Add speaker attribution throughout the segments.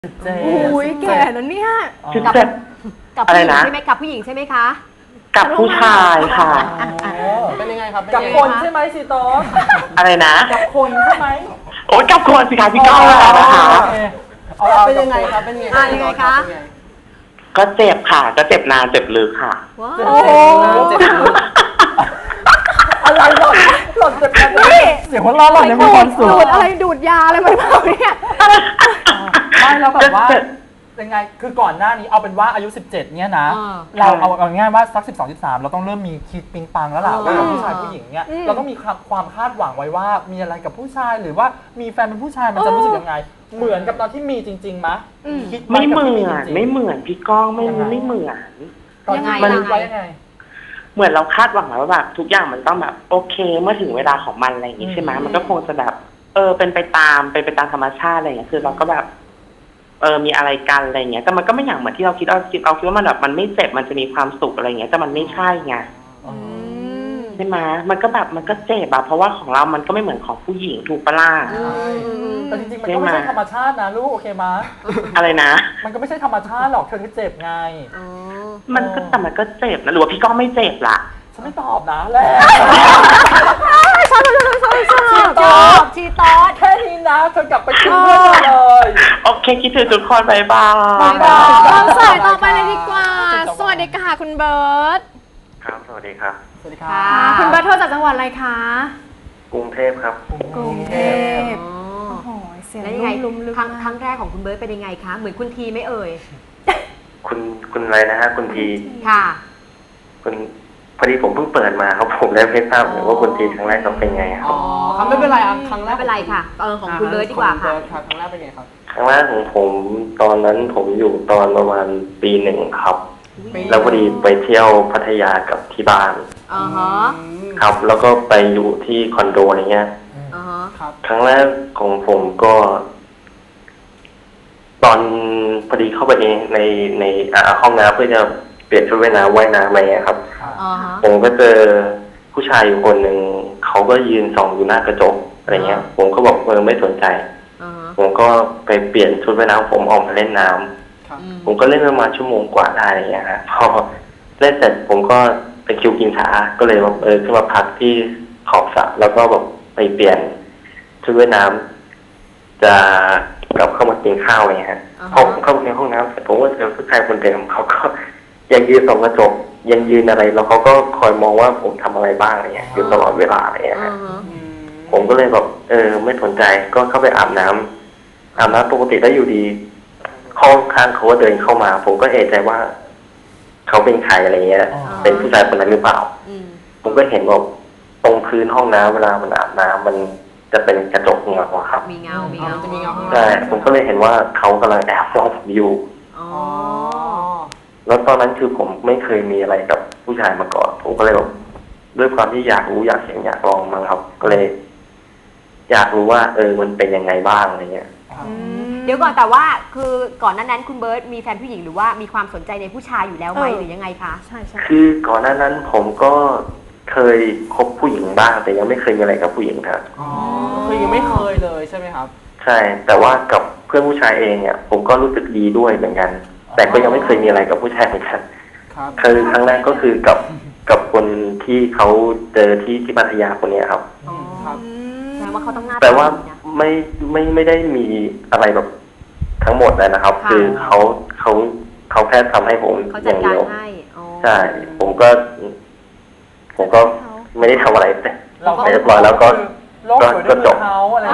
Speaker 1: อุ้ยแก่แล้วเนี่ย
Speaker 2: กับผู้หญิงใช่ไหมกับผู้หญิงใช่ไหมคะ
Speaker 3: กับผู้ชายค่ะ
Speaker 4: เป็นยังไงครับ
Speaker 1: กับคนใช่ไหมซีโต้
Speaker 3: อะไรนะ
Speaker 1: กับคนใช่ไหม
Speaker 3: โอ้ยกับคนสิคะพี่ก้าวนะคะ
Speaker 4: เป็นยังไงครับเป็นยังไง
Speaker 2: คะ
Speaker 3: ก็เจ็บค่ะก็เจ็บนานเจ็บลึกค่ะ
Speaker 1: โอ้เจ็บลึกอะไรหล่นเจ็บกันนี่เสียงหัวเราะหล่อนยังมีความสุขดูดอะไรดูดยาอะไรมาเปล่าเนี่ยไม่แล้วแบบว่ายังไงคือก่อนหน้านี้เอาเป็นว่าอายุ17เนี่ยนะเราเอาง่ายว่าสัก12-13เราต้องเริ่มมีคิดปิงปังแล้วล่ะว่ากับผู้ชายผู้หญิงเนี่ยเราต้องมีความคาดหวังไว้ว่ามีอะไรกับผู้ชายหรือว่ามีแฟนเป็นผู้ชายมันจะรู้สึกยังไงเหมือนกับตอนที่มีจริงๆมั้ย
Speaker 3: คิดไม่เหมือนพี่ก้องไม่เหมือน
Speaker 2: มัน
Speaker 1: ไว้ยังไง
Speaker 3: เหมือนเราคาดหวังแล้วว่าแบบทุกอย่างมันต้องแบบโอเคเมื่อถึงเวลาของมันอะไรอย่างงี้ใช่ไหมมันก็คงจะแบบเป็นไปตามธรรมชาติอะไรอย่างเงี้ยคือเราก็แบบมีอะไรกันอะไรเงี้ยแต่มันก็ไม่อย่างเหมือนที่เราคิดว่ามันแบบมันไม่เจ็บมันจะมีความสุขอะไรเงี้ยแต่มันไม่ใช่ไงใช่ไหมมันก็แบบมันก็เจ็บอะเพราะว่าของเรามันก็ไม่เหมือนของผู้หญิงถูกปะล่ะ
Speaker 1: แต่จริงๆมันก็ไม่ใช่ธรรมชาตินะลูกโอเคมั้ย
Speaker 3: อะไรนะ
Speaker 1: มันก็ไม่ใช่ธรรมชาติหรอกเธอที่เจ็บไง
Speaker 3: มันก็เจ็บนะหรือว่าพี่ก้องไม่เจ็บล่ะ
Speaker 1: ฉันไม่ตอบนะแหละ
Speaker 2: ชีตอด
Speaker 1: แค่นี้นะเธอกลับไปกินเพื่อนเลย
Speaker 3: โอเคคิดถึงทุกคนบายบาย
Speaker 5: สายต่อไปเลยดีกว่าสวัสดีค่ะคุณเบิร์ต
Speaker 3: ครับสวัสดีครับ
Speaker 1: สวัสดีค่ะ
Speaker 5: คุณเบิร์ตโทรจากจังหวัดอะไรคะ
Speaker 3: กรุงเทพครับ
Speaker 5: กรุงเทพโอ้โหเสียงลุ่มลึก
Speaker 2: ครั้งแรกของคุณเบิร์ตเป็นยังไงคะเหมือนคุณทีไม่เอ่ย
Speaker 3: คุณอะไรนะฮะคุณที
Speaker 2: ค่ะ
Speaker 3: คุณพอดีผมเพิ่งเปิดมาครับผมเลยไม่ทราบว่าคุณทีครั้งแรกเขาเป็นไงครับ
Speaker 4: อ๋อไม่เป็นไรครั้งแรก
Speaker 2: ไม่เป็นไรค่ะของคุณเบิร์ตดีกว่าค่ะ
Speaker 4: ครั้งแรกเป็นไงครับ
Speaker 3: ครั้งแรกของผมตอนนั้นผมอยู่ตอนประมาณปี 1ครับแล้วพอดีไปเที่ยวพัทยากับที่บ้านครับแล้วก็ไปอยู่ที่คอนโดอะไรเงี้ยครั้งแรกของผมก็ตอนพอดีเข้าไปในห้องน้ำเพื่อจะเปลี่ยนชุดว่ายน้ำอะไรเงี้ยครับผมก็เจอผู้ชายอยู่คนหนึ่งเขาก็ยืนส่องอยู่หน้ากระจกอะไรเงี้ยผมก็บอกไม่สนใจผมก็ไปเปลี่ยนชุดว่ายน้ำผมออกมาเล่นน้ำผมก็เล่นประมาณชั่วโมงกว่าได้อะไรเงี้ยครับพอเล่นเสร็จผมก็ไปคิวกินขาก็เลยแบบขึ้นมาพักที่ขอบสระแล้วก็แบบไปเปลี่ยนชุดว่ายน้ำจะกลับเข้ามากินข้าวอะไรเงี้ยพอผมเข้าในห้องน้ำเสร็จผมก็เจอผู้ชายคนเดิมเขาก็ยังยืนส่องกระจกยังยืนอะไรแล้วเขาก็คอยมองว่าผมทำอะไรบ้างอะไรเงี้ยอยู่ตลอดเวลาอะไรเงี้ยผมก็เลยแบบไม่สนใจก็เข้าไปอาบน้ำปกติได้อยู่ดีห้องข้างเขาก็เดินเข้ามาผมก็เอะใจว่าเขาเป็นใครอะไรเงี้ยเป็นผู้ชายคนนั้นหรือเปล่าผมก็เห็นว่าตรงพื้นห้องน้ำเวลามันอาบน้ำมันจะเป็นกระจกเงาครับ
Speaker 2: มีเงา
Speaker 4: จะมีเงา
Speaker 3: ใช่ผมก็เลยเห็นว่าเขากำลังแอบมองผมอยู่แล้วตอนนั้นคือผมไม่เคยมีอะไรกับผู้ชายมาก่อนผมก็เลยแบบด้วยความที่อยากรู้อยากเห็นอยากลองมั้งครับก็เลยอยากรู้ว่ามันเป็นยังไงบ้างอะไรเงี้ย
Speaker 2: เดี๋ยวก่อนแต่ว่าคือก่อนนั้นคุณเบิร์ตมีแฟนผู้หญิงหรือว่ามีความสนใจในผู้ชายอยู่แล้วไหมหรือยังไงคะ
Speaker 5: ใช่
Speaker 3: คือก่อนนั้นผมก็เคยคบผู้หญิงบ้างแต่ยังไม่เคยมีอะไรกับผู้หญิงครับ
Speaker 4: คือยังไม่เคยเลยใช่ไหมครับ
Speaker 3: ใช่แต่ว่ากับเพื่อนผู้ชายเองเนี่ยผมก็รู้สึกดีด้วยเหมือนกันแต่ก็ยังไม่เคยมีอะไรกับผู้ชายเหมือนกันคือครั้งแรกก็คือกับคนที่เขาเจอที่พัทยาคนนี้ครับ
Speaker 2: แปลว่าเขาต้องน่า
Speaker 3: แต่ว่าไม่ได้มีอะไรแบบทั้งหมดเลยนะครับคือเขาแค่ทำให้ผมอย่างเดียวใช่ผมก็ไม่ได้ทำอะไรแต่เรียบร้อยแล้วก็จบ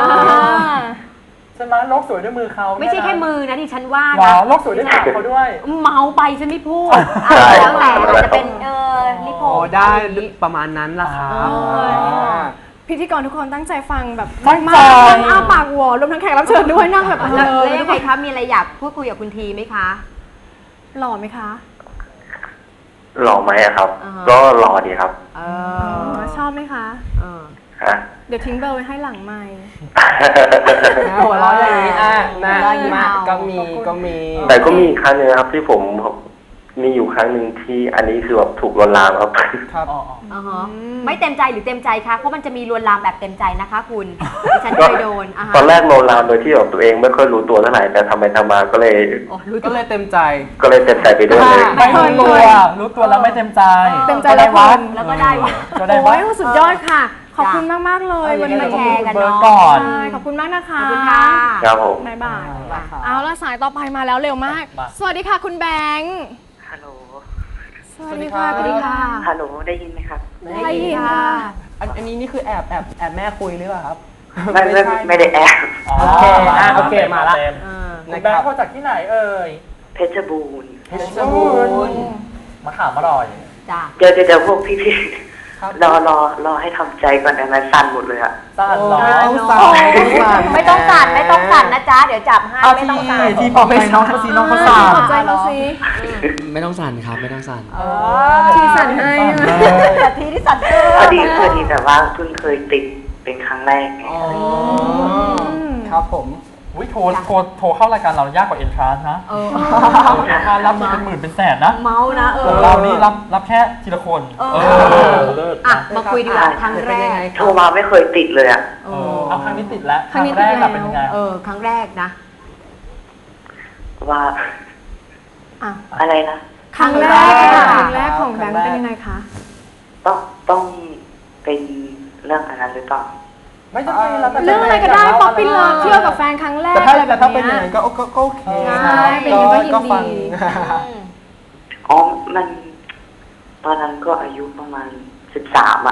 Speaker 1: ใช่ไหมโลกสวยด้วยมือเขา
Speaker 2: ไม่ใช่แค่มือนะที่ฉันว่า
Speaker 1: นะโลกสวยด้วยปากเขาด้วย
Speaker 2: เมาไปฉันไม่พูดแล้วแต่จะเป็นลิโพ
Speaker 4: ได้ประมาณนั้นล่ะครับ
Speaker 5: พิธีกรทุกคนตั้งใจฟังแบบมากอ้าปากหัวรวมทั้งแขกรับเชิญด้วยนั่งแบบ
Speaker 2: แล้วยังไงคะมีอะไรอยากพูดคุยกับคุณทีไหมคะ
Speaker 5: หล่อไหมคะ
Speaker 3: หล่อไหมครับก็หล่อดีครับ
Speaker 5: ชอบไหมคะเดี๋ยวทิ้งเบอร์ไว้ให้หลังไมค์
Speaker 4: หัวเราะอย่างนี้นะก็มี
Speaker 3: แต่ก็มีครั้งนึงครับที่ผมมีอยู่ครั้งหนึ่งที่อันนี้คือแบบถูกลวนลามครับ
Speaker 4: ครับ
Speaker 2: อ่าฮะไม่เต็มใจหรือเต็มใจคะเพราะมันจะมีลวนลามแบบเต็มใจนะคะคุณดิฉันเคยโดน
Speaker 3: ตอนแรกลวนลามโดยที่แบบตัวเองไม่ค่อยรู้ตัวเท่าไหร่แต่ทำไปทำมาก็เลย
Speaker 4: ก็เลยเต็มใจ
Speaker 3: ไปด้วยเลย
Speaker 1: ไม่รู้ตัวแล้วไม่เต็มใจ
Speaker 5: เต็มใจแล้วคุณ
Speaker 2: แล้วก็ได้วะ
Speaker 1: ก็ได้
Speaker 5: โอ้
Speaker 1: วะ
Speaker 5: ยสุดยอดค่ะ ขอบคุณมากๆเลยวันนี้
Speaker 2: มาแชร์กัน
Speaker 1: เบิร์ด
Speaker 2: เนาะ
Speaker 1: ก่อน
Speaker 5: ใช่ขอบคุณมากนะคะ
Speaker 2: ขอบคุณค่ะ
Speaker 3: ครับผม
Speaker 5: บ๊ายบายเอาละสายต่อไปมาแล้วเร็วมาก สวัสดีค่ะคุณแบงค์
Speaker 6: ฮัลโหล
Speaker 5: สวัสดีค่ะ
Speaker 2: สวัสดีค่ะ
Speaker 6: ฮัลโหล ได้ยินไหมครับ
Speaker 5: ได้ยินค่ะ
Speaker 4: อันนี้นี่คือแอบแม่คุยหรือเปล่าครับ
Speaker 6: ไม่ได้แอบ
Speaker 4: โอเคโอเคมาละ
Speaker 1: คุณแบงค์เขาจากที่ไหนเอ่ย
Speaker 6: เพชรบูรณ์
Speaker 1: เพชรบูรณ์มะขามอร่อย
Speaker 2: จ้า
Speaker 6: เดี๋ยวพวกพี่ๆรอให้ทำใจก่อนนะมันสั่นหมดเลยอะ
Speaker 1: สั่นเหรอ
Speaker 2: ไม่ต้องสั่นนะจ๊ะเดี๋ยวจับให้
Speaker 1: เอา
Speaker 2: ไม่ต้องสั่น
Speaker 1: ที่ปอกไปน้องเขาซีน้องเขาสั่น
Speaker 5: ขอบใจเราสิ
Speaker 7: ไม่ต้องสั่นครับไม่ต้องสั่น
Speaker 5: ทีสั่นให้ใช่ไหม
Speaker 2: แต่ทีที่สั่นเกิ
Speaker 6: พอดีแต่ว่าเพิ่งเคยติดเป็นครั้งแรกไง
Speaker 4: ครับผม
Speaker 1: อุ้ยโทรเข้ารายการเรายากกว่าเอนทรานนะเอนทรานรับเป็นหมื่นเป็นแสนนะ
Speaker 2: เมานะ
Speaker 1: ของเรานี่รับแค่ทีละคนเลิศ
Speaker 2: อ่ะมาคุยดีกว่าครั้งแรก
Speaker 6: โทรมาไม่เคยติดเลยอะ
Speaker 1: เอาครั้งนี้ติดแล้วครั้งแรกเป็นยังไง
Speaker 2: ครั้งแรกนะ
Speaker 6: ว่า
Speaker 5: อ่ะ
Speaker 6: อะไรนะ
Speaker 5: ครั้งแรกของแบงค์เป็นยังไงคะ
Speaker 6: ต้องเป็นเรื่องอันนั้นหรือเปล่า
Speaker 1: ไม่จำเป็นแล้ว
Speaker 5: เรื่องอะไรก็ได้ป๊อปปี้เลิฟเที่ยวกับแฟนครั้งแรกอะไรแบบ
Speaker 4: ถ้าเป็นอ
Speaker 5: เนี้
Speaker 4: ย่าง
Speaker 5: ย
Speaker 4: นั้นก็โอเค
Speaker 5: ใช่เป็นอย่างนั้นก็ยินดี
Speaker 4: ฟัง
Speaker 6: อ๋อ ตอนนั้นก็อายุประมาณ13อะ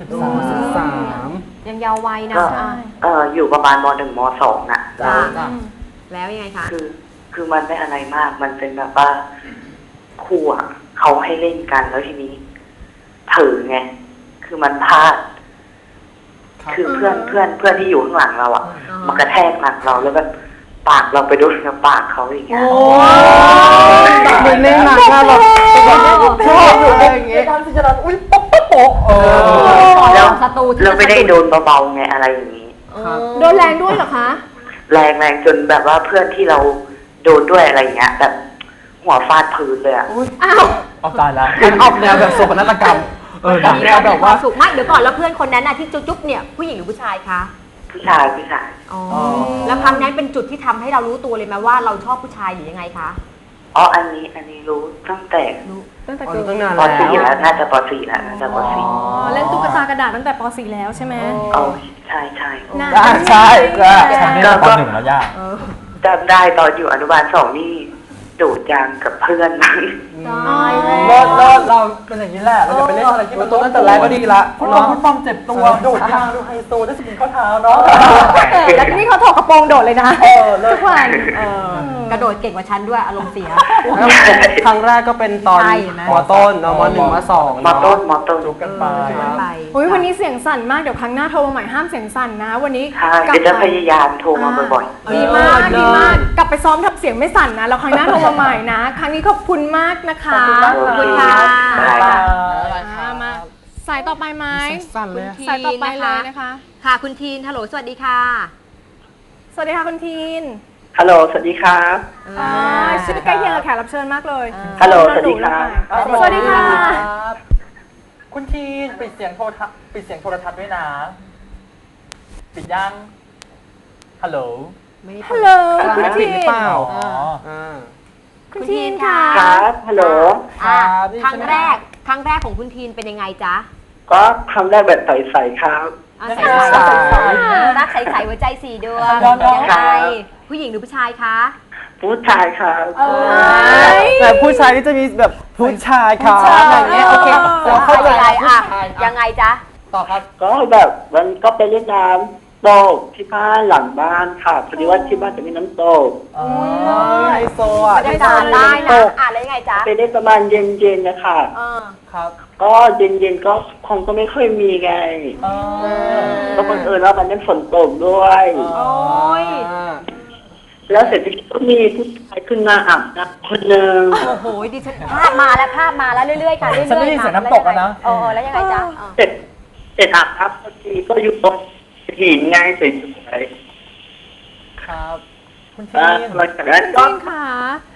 Speaker 4: 13
Speaker 2: ยังเยาว์วัยนะ
Speaker 6: ก็อยู่ประมาณม.1 ม.2 น่ะ
Speaker 2: จ้าแล้วยังไงคะ
Speaker 6: คือมันไม่อะไรมาก มันเป็นแบบว่าครูอ่ะเขาให้เล่นกันแล้วทีนี้เผลอไง คือมันพลาด คือเพื่อนที่อยู่ข้างหลังเราอ่ะ มันกระแทกหลังเราแล้วแบบปากเราไปโดนกับปากเขาอย่างเงี้ย
Speaker 4: เหมือนในหนังอะแบบชอบอยู่อย่างเงี้ย
Speaker 1: การที่จะนั้นอุ้ยป๊อก
Speaker 6: แล้ว
Speaker 2: ศัตรูที่
Speaker 6: เราไม่ได้โดนเบาๆไงอะไรอย่างนี้
Speaker 5: โดนแรงด้วยเหรอคะ
Speaker 6: แรงจนแบบว่าเพื่อนที่เราโดนด้วยอะไรอย่างเงี้ย แบบหัวฟาดพื้นเลยอ่ะ
Speaker 5: อ้าว
Speaker 1: เอาตายแล้ว
Speaker 4: การออกแนวแบบโศกนาฏกรรมหนังแนวแบบว่า
Speaker 2: สุขมากเดี๋ยวก่อนแล้วเพื่อนคนนั้นน่ะที่จุ๊บเนี่ยผู้หญิงหรือผู้ชายคะ
Speaker 6: ผู้ชาย
Speaker 2: อ๋อแล้วครั้งนั้นเป็นจุดที่ทำให้เรารู้ตัวเลยไหมว่าเราชอบผู้ชายหรือยังไงคะ
Speaker 6: อ๋ออันนี้รู้ตั้งแต่
Speaker 5: ตั้งแต่
Speaker 4: อ๋อ
Speaker 5: เกิด
Speaker 4: ตั้งนาน
Speaker 6: ป
Speaker 4: แล้ว
Speaker 6: .4 แล้วน่าจะป .4 แล้วน่าจะป .4
Speaker 5: เล่นตุ๊กตากระดาษตั้งแต่ป .4 แล้วใช่ไหม
Speaker 6: เอาใช่
Speaker 5: น่า
Speaker 1: ใช่ฉันได้ปหนึ่งแล้วย่า
Speaker 6: จำได้ตอนอยู่อนุบาล2นี่โดดยางกับเพื่อนมัน
Speaker 1: เราเป็นอย่างนี้แหละเราจะไปเล่นอะไรที่มัน
Speaker 4: ตัวตั้งแต่แรกก็ดีละ
Speaker 1: ฟุตบอลเจ็บตัวโดดยางดูไฮโซได้สกินข้อเท้าเนาะ
Speaker 5: แล้วนี่เขาถกกระโปรงโดดเลยนะทุกวัน
Speaker 2: กระโดดเก่งกว่าฉันด้วยอารมณ์เสีย
Speaker 4: ครั้งแรกก็เป็นตอน
Speaker 2: ใช่นะ
Speaker 4: มต้นม1ม2
Speaker 6: มต้น
Speaker 1: จุกกันไป
Speaker 2: ไป
Speaker 5: อุ้ยวันนี้เสียงสั่นมากเดี๋ยวครั้งหน้าโทรมาใหม่ห้ามเสียงสั่นนะ วันนี้
Speaker 6: ใช่เดี๋ยวจะพยายามโทรมาบ่อย
Speaker 5: ดีมากกลับไปซ้อมทับเสียงไม่สั่นนะแล้วครั้งหน้าโทรมาใหม่นะ ครั้งนี้ขอบคุณมากนะคะ
Speaker 6: ๆ
Speaker 2: ขอบคุณค่ะ
Speaker 5: มาสายต่อไปไหม
Speaker 4: สั่นเลย
Speaker 5: สายต่อไปเลยนะคะ
Speaker 2: ค่ะคุณทีนฮัลโหลสวัสดีค่ะ
Speaker 5: สวัสดีค่ะคุณทีน
Speaker 6: ฮัลโหลสวัสดีครับ
Speaker 5: ชื่อใกล้เคียงกับแขกรับเชิญมากเลย
Speaker 6: ฮัลโหลสวัสดีครับ
Speaker 5: สวัสดีค่ะ
Speaker 1: คุณทีนปิดเสียงโทรทัศน์ด้วยนะปิดยังฮัลโหล
Speaker 5: ฮัลโหลคุณทีน
Speaker 4: หรือเปล่า
Speaker 5: คุณทีนค่ะ
Speaker 6: ครับฮัลโหล
Speaker 2: ครั้งแรกของคุณทีนเป็นยังไงจ๊ะ
Speaker 6: ก็ทำได้แบบใสๆครับ
Speaker 2: ใสรักใสๆหัวใจสี่ดวงยังไงผู้หญิงหรือผู้ชายคะ
Speaker 6: ผู้ชายครับ
Speaker 4: แต่ผู้ชายนี่จะมีแบบผู้ชายครับอย่างเงี้ยโอเคเราเข้าใจ
Speaker 2: ยังไงจ๊ะ
Speaker 4: ต่อครับ
Speaker 6: ก็แบบมันก็ไปเล่นน้ำตกที่บ้านหลังบ้านค่ะพอดีว่าที่บ้านจะมีน้ำตก
Speaker 4: ไฮโซอ่ะ
Speaker 2: บรรยากาศได้นะแล้วยังไงจ๊ะ
Speaker 6: ไปได้ประมาณเย็นๆนะคะ
Speaker 4: ครับ
Speaker 6: ก็เย็นๆก็คงก็ไม่ค่อยมีไงก็บังเอิญว่าวันนั้นฝนตกด้วย
Speaker 2: โอ้ย
Speaker 6: แล้วเสร็จก็มีผู้ชายขึ้นมาอาบน้ำคนหนึ่ง
Speaker 2: โอ้โหดิฉันภาพมาแล้วเรื่อยๆค่ะเรื่อยๆ
Speaker 1: ฉันได้ยินเสียงน้ำตกแล้วนะ
Speaker 2: แล้วยังไงจ๊ะ
Speaker 6: เสร็จอาบน้ำพอดีก็อยู่บนหินไงสวย
Speaker 1: ครับคุณ
Speaker 6: ๆ
Speaker 1: ทีน
Speaker 6: หลังจากนั้นก็
Speaker 5: ทีนค่ะ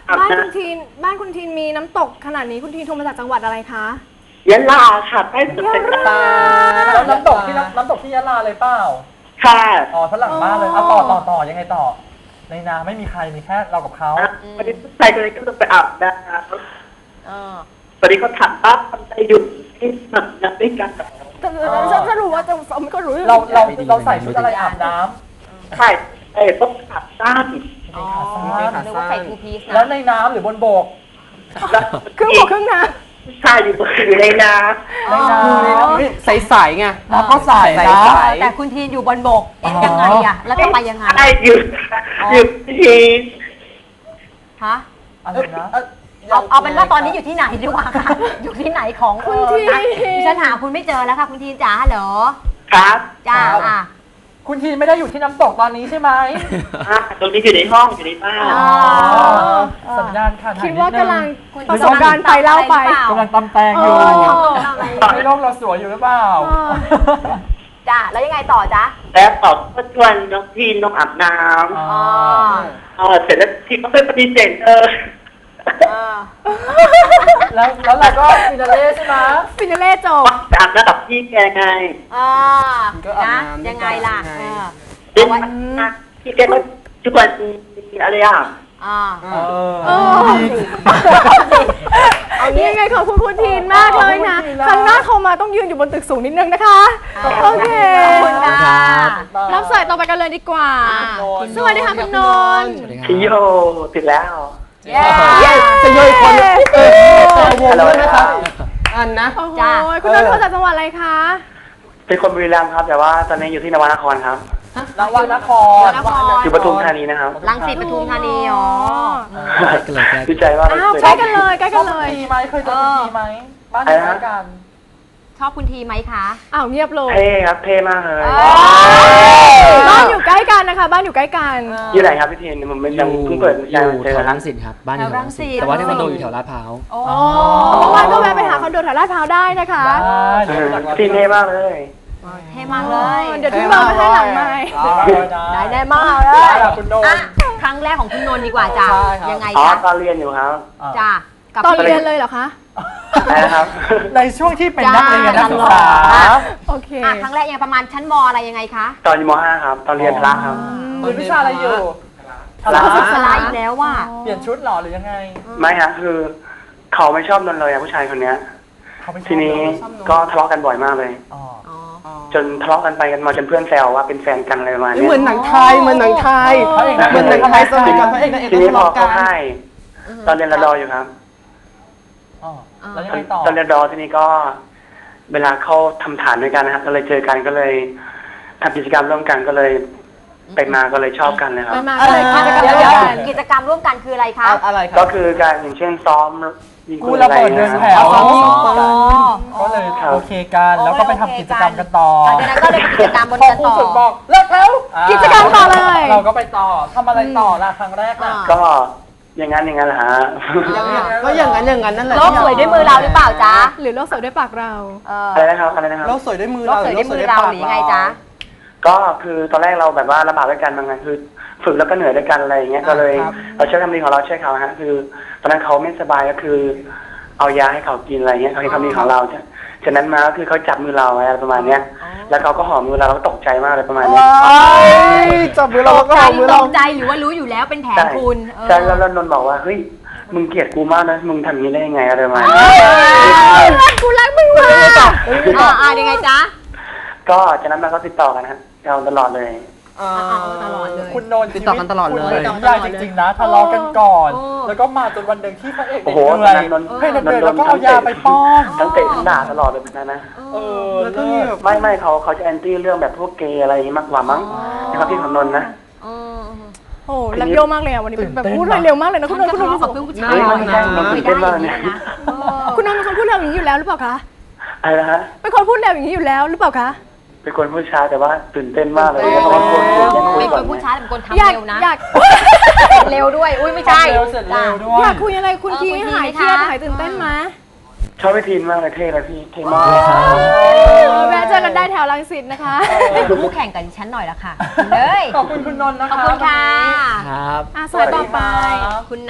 Speaker 5: บ้านคุณทีนมีน้ำตกขนาดนี้คุณทีนโทรมาจากจังหวัดอะไรคะ
Speaker 6: ยะลาค่ะใต้สุดเป็น
Speaker 1: แล้วน้ำตกที่ยะลาเลยเปล่า
Speaker 6: ค่ะ
Speaker 1: อ๋อฝรั่งบ้านเลยเอาต่อยังไงต่อในนาไม่มีใครมีแค่เรากับเขา
Speaker 6: วันนี้ผู้ชายคนนี้ก็ต้องไปอาบน้ำตอนนี้เขาถามป้าทำใจหยุดที่สมัครน้ำด้วยกัน
Speaker 5: สรุปว่าจะไม่ก็รู้
Speaker 1: เราใส่ชุดอะไรอาบน้ำ
Speaker 6: ใช่ต้องขาดสั้น
Speaker 2: อ๋อนึกว่าใส่ทูพีซ
Speaker 1: แล้ว
Speaker 2: นะ
Speaker 1: ในน้ำหรือบนบก
Speaker 5: ครึ่งบกครึ่งน้
Speaker 6: ผู้ชายอยู่ในน้
Speaker 4: ใสๆไง
Speaker 1: น้ำก็ใส่นะ
Speaker 2: แต่คุณทีนอยู่บนบกยังไงอะแล้วจะไปยังไง
Speaker 6: ำใช่หยุดที
Speaker 2: ฮะ
Speaker 1: อะไรนะ
Speaker 2: เอาเป็นว่าตอนนี้อยู่ที่ไหนดีกว่าค่ะอยู่ที่ไหนของ
Speaker 5: ำคุณทีน
Speaker 2: ดิฉันหาคุณไม่เจอแล้วค่ะคุณทีนจ๋าฮัลโหล
Speaker 6: ครับ
Speaker 2: จ้าอ่ะ
Speaker 1: คุณทีไม่ได้อยู่ที่น้ำตกตอนนี้ใช่ไหม
Speaker 6: ตรงนี้อยู่ในห้องอยู่ในบ้าน
Speaker 1: สัญญาณขาดหาย
Speaker 5: คิดว่ากำลัง
Speaker 2: คุณ
Speaker 5: ประสบการณ์ไปเล่าไป
Speaker 1: กำลังตำแตงอยู่ในโลกเราสวยอยู่หรือเปล่า
Speaker 2: จ้าแล้วยังไงต่อจ๊ะ
Speaker 6: แล้วตอบก็ชวนน้องทีนน้องอาบน้
Speaker 2: อ๋อ
Speaker 6: ำเสร็จแล้วทีก็ไปปฏิเสธ
Speaker 1: แล้วเราก็ฟินาเล่ใช่ไหม
Speaker 5: ฟินาเล่จบ
Speaker 6: อาบน้ำกับพี่แกไง
Speaker 2: นะยังไงล่ะ
Speaker 6: พี่แกก็ชวนอะไรอ่ะ
Speaker 5: เอางี้ยังไงขอบคุณคุณทีนมากเลยนะครั้งหน้าโทรมาต้องยืนอยู่บนตึกสูงนิดนึงนะคะโอเค
Speaker 2: ขอบคุณค่ะ
Speaker 5: รับสายต่อไปกันเลยดีกว่าสวัสดีค่ะคุณนนท์
Speaker 7: สวัสดีครับ
Speaker 6: พี่โยติดแล้ว
Speaker 4: จะโยยคนวงด้วยไหมครับอันนะ
Speaker 5: โอ้โหคุณนนท์โทรจากจังหวัดอะไรคะ
Speaker 6: เป็นคนบุรีรัมย์ครับแต่ว่าตอนนี้อยู่ที่นวนครครับ
Speaker 1: นวันนคร
Speaker 6: อยู่ปทุมธานีนะครับ
Speaker 2: รังสิตปทุมธานีอ๋อ
Speaker 7: ก็เลยแก้
Speaker 6: ดีใจว่า
Speaker 5: อ้าวใกล้กันเลยใกล้กันเลย
Speaker 1: ทีไหมเคยเจอคุณทีไหมบ้านอยู่ใกล้กัน
Speaker 2: ชอบคุณทีไหมคะ
Speaker 5: อ้าวเงียบเลย
Speaker 6: เท่ครับเท่มากเลย
Speaker 5: บ้านอยู่ใกล้กันนะคะบ้านอยู่ใกล้กัน
Speaker 6: อยู่ไหนครับพี่เทนผมไม่ยังเพิ่งเปิด
Speaker 7: อยู่
Speaker 6: เจ
Speaker 7: แถ
Speaker 6: อ
Speaker 7: ว
Speaker 6: ครั
Speaker 7: รั
Speaker 6: บ
Speaker 7: งสิตครับบ้านอยู่แถวรังสิตแต่ว่าที่คอนโดอยู่แถวลาดพร้าว
Speaker 2: โอ้
Speaker 5: เมื่อวานก็แวะไปหาคอนโดแถวลาดพร้าวได้นะคะ
Speaker 6: ทีนเท่มากเลย
Speaker 2: เท่มากเลย
Speaker 5: เดี๋ยวทิ้งเบอร์มาให้หลังไมค์
Speaker 2: ได้แน่มากเลย
Speaker 1: คุณโดน
Speaker 2: ครั้งแรกของคุณนนท์ดีกว่าจ้ะยังไง
Speaker 6: อ๋อ
Speaker 2: คะ
Speaker 6: ตอนเรียนอยู่ครับ
Speaker 2: จ้ะกับ
Speaker 5: ตอนเรียนเลยเหรอคะ
Speaker 6: นะครับ
Speaker 1: ในช่วงที่เป็นนักเรียนนักศึกษา
Speaker 5: โอเค
Speaker 2: ครั้งแรกยังประมาณชั้นมอะไรยังไงคะ
Speaker 6: ตอนอยู่ม .5 ครับ ตอนเรียนพระครับ
Speaker 1: เรียนวิชาอะไรอยู่
Speaker 2: ศึกษาอีกแล้วว่า
Speaker 1: เปลี่ยนชุดหรอหรือยังไง
Speaker 6: ไม่ฮะคือเขาไม่ชอบนนเลยอะผู้ชายคนเนี้ย ทีนี้ก็ทะเลาะกันบ่อยมากเลย จนทะเลาะกันไปกันมาจนเพื่อนแซวว่าเป็นแฟนกันอะไรประมาณนี้
Speaker 4: เหมือนหนังไทยเหมือนหนังไทยเหมือนหนังไทยสมัยก่อนพระเอกนางเอก
Speaker 6: ทีนี้พอ
Speaker 4: กั
Speaker 6: เข้าน ค่ายตอนเรียนระดออยู่ครับ
Speaker 1: แล้วยังไงต่อ
Speaker 6: ตอนเรียนระดอทีนี้ก็เวลาเข้าทำฐานด้วยกันนะครับก็เลยเจอกันก็เลยทำกิจกรรมร่วมกันก็เลยไปมาก็เลยชอบกันเลยครับ
Speaker 5: ไปมาก็เลยกิจกรรม
Speaker 2: เดี๋ยว
Speaker 5: เดียวกัน
Speaker 2: กิจกรรมร่วมกันคืออะไรคะ
Speaker 4: อะไรครั
Speaker 6: ก็
Speaker 4: บ
Speaker 6: คือการอย่างเช่นซ้อมยิง
Speaker 1: กู
Speaker 6: ปืน
Speaker 1: ระ
Speaker 6: อะไร
Speaker 1: เบิด
Speaker 6: เงี้
Speaker 1: เดิ
Speaker 6: ย
Speaker 1: นแถว ก็เลย
Speaker 6: ครับ
Speaker 1: โอเคกันแล้วก็ไปทำกิจกรรมกันต่อ
Speaker 2: หลังจากนั้นก็เลยเป็นกิจกรรมบน
Speaker 1: พอ
Speaker 2: กัน
Speaker 1: ครู
Speaker 2: ต่อ
Speaker 1: ฝึกบอกเลิกแล้ว
Speaker 5: กิจกรรมต่อเลย
Speaker 1: เราก็ไปต่อทำอะไรต่อล่ะครั้งแรกล่ะ
Speaker 6: ก็อย่างนั้นแหละฮะ
Speaker 4: ก็อย่างนั้นนั่นแหละ
Speaker 2: โลกสวยด้วยมือเราหรือเปล่าจ๊ะ
Speaker 5: หรือโลกสวยด้วยปากเรา
Speaker 6: อะไรนะครับอะไรนะครับ
Speaker 4: โลกสวยด้วยมือ
Speaker 2: โลกสวยด้วยมือเราหรือยังไงจ๊ะ
Speaker 6: ก็คือตอนแรกเราแบบว่าระบาดด้วยกันบางงานคือฝึกแล้วก็เหนื่อยด้วยกันอะไรอย่างเงี้ยก็เลยเราช่วยทำดีของเราช่วยเขาฮะคือตอนนั้นเขาไม่สบายก็คือ เอายาให้เขากินอะไรเงี้ยเขาให้ความดีของเราฉะนั้นมาก็คือเขาจับมือเราอะไรประมาณเนี้ยแล้วเขาก็หอมมือเราก็ตกใจมากเลยประมาณนี้
Speaker 4: จับมือเราก็หอมมือ
Speaker 2: ต
Speaker 4: เรา
Speaker 2: กใจหรือว่ารู้อยู่แล้วเป็นแผนคุณ
Speaker 6: ใช่แล้วนนท์บอกว่าเฮ้ยมึงเกลียดกูมากนะมึงทำอย่างนี้ได้ยังไงอะไรประมาณนี้
Speaker 5: กูรักมึงมาก
Speaker 2: ยังไงจ๊ะ
Speaker 6: ก็จากนั้นมาก็ติดต่อกันฮะเราตลอดเลย
Speaker 2: ตลอดเลย
Speaker 1: คุณโนน
Speaker 4: ติดต่อกันตลอดเลย
Speaker 1: คุณนิยายจริงๆนะทะเลาะกันก่อน แล้วก็มาจนวันหนึ่งที่พระเอก
Speaker 6: โอ้
Speaker 1: เด็
Speaker 6: โห
Speaker 1: กเหนื่อย
Speaker 6: นนท์
Speaker 1: ให้นนท์เดินแล้วก็เอายาไปป้อน
Speaker 6: ทั้งเตะทั้งด่าตลอดเลยนะ
Speaker 4: แล้วก็มีแบบ
Speaker 6: ไม่เขาจะแอนตี้เรื่องแบบพวกเกย์อะไรอย่างนี้มากกว่ามั้งนะครับพี่ของนนท์นะ
Speaker 5: โอ้รักโยมากเลยอ่ะวันนี้แบบพูดเร็วมากเลยนะคุณนนท์คุณนนท์
Speaker 2: กับเพื่อนผู้ชาย
Speaker 6: เฮ้ยมันไม่ใช่มันตื่นเต้นมากเลยเนี่ย
Speaker 5: คุณนนท์เป็นคนพูดเร็วอย่างนี้อยู่แล้วหรือเปล่าคะ
Speaker 6: อะไรนะฮะ
Speaker 5: เป็นคนพูดเร็วอย่างนี้อยู่แล้วหรือเปล่าคะ
Speaker 6: เป็นคนผู้ชายแต่ว่าตื่นเต้นมากเลยเพราะว่าคนยังคุย
Speaker 2: เป็น
Speaker 6: ก่
Speaker 2: ค
Speaker 6: อน
Speaker 2: นผู้ชายเป็นคนทำ
Speaker 5: อยาก
Speaker 2: เร็วนะ
Speaker 5: อยาก
Speaker 2: เร็วด้วยอุ้ยไม่ใช่
Speaker 1: เร็วเสร็จเร็วด้วย
Speaker 5: อยากคุยอะไรคุณทีหายเครียดหายตื่นเต้นไหม
Speaker 6: ชอบพี่ทีนมากเลยเท่เลยพี่เท่มาก
Speaker 5: แวะเจอกันได้แถวรังสิตนะคะ
Speaker 2: เป็นคู่แข่งกับดิฉันหน่อยละค่ะเลย
Speaker 1: ขอบคุณคุณนนท์นะคะ
Speaker 2: ขอบคุณค่ะ
Speaker 7: ครับ
Speaker 5: สายต่อไป
Speaker 2: คุณ